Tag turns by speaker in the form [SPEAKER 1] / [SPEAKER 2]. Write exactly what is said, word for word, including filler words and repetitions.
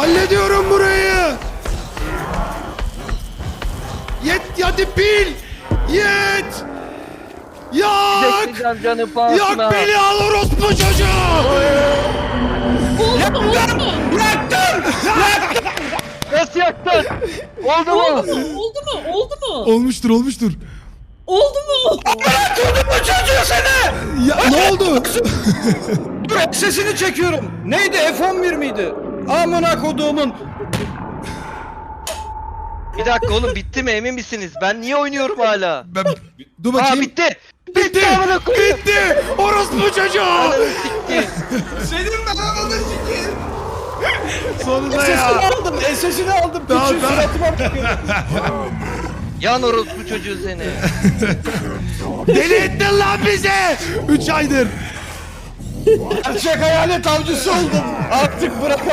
[SPEAKER 1] Hallediyorum burayı. Yet hadi pil. Yet. Yak.
[SPEAKER 2] Bekleyeceğim canı pahasına.
[SPEAKER 1] Yak beni al orospu çocuğu.
[SPEAKER 3] Oldu mu? Oldu mu?
[SPEAKER 1] Yaktım.
[SPEAKER 2] Nasıl yaktın? Oldu mu?
[SPEAKER 3] Oldu mu? Oldu mu? Oldu mu?
[SPEAKER 1] Olmuştur olmuştur.
[SPEAKER 3] Oldu mu?
[SPEAKER 4] Bırakıyordum bu çocuğu seni.
[SPEAKER 1] Ya ne oldu?
[SPEAKER 4] Dur sesini çekiyorum. Neydi F on bir miydi? Amına koduğumun.
[SPEAKER 2] Bir dakika oğlum bitti mi emin misiniz? Ben niye oynuyorum hala?
[SPEAKER 1] Ben, dur
[SPEAKER 2] Aa
[SPEAKER 1] bakayım.
[SPEAKER 2] bitti.
[SPEAKER 1] Bitti.
[SPEAKER 2] amına koyayım.
[SPEAKER 1] Bitti. Orospu çocuğu.
[SPEAKER 2] Ananı sikti.
[SPEAKER 4] Senin ben ananı sikeyim.
[SPEAKER 1] Sonunda
[SPEAKER 4] Sesini
[SPEAKER 1] ya.
[SPEAKER 4] aldım. Sesini aldım.
[SPEAKER 1] Tamam,
[SPEAKER 4] Piçin
[SPEAKER 1] tamam.
[SPEAKER 4] suratıma bakıyor.
[SPEAKER 2] Yan orospu çocuğu seni.
[SPEAKER 1] Deli ettin lan bizi. Üç aydır.
[SPEAKER 4] Gerçek hayalet avcısı oldum. Artık bırak.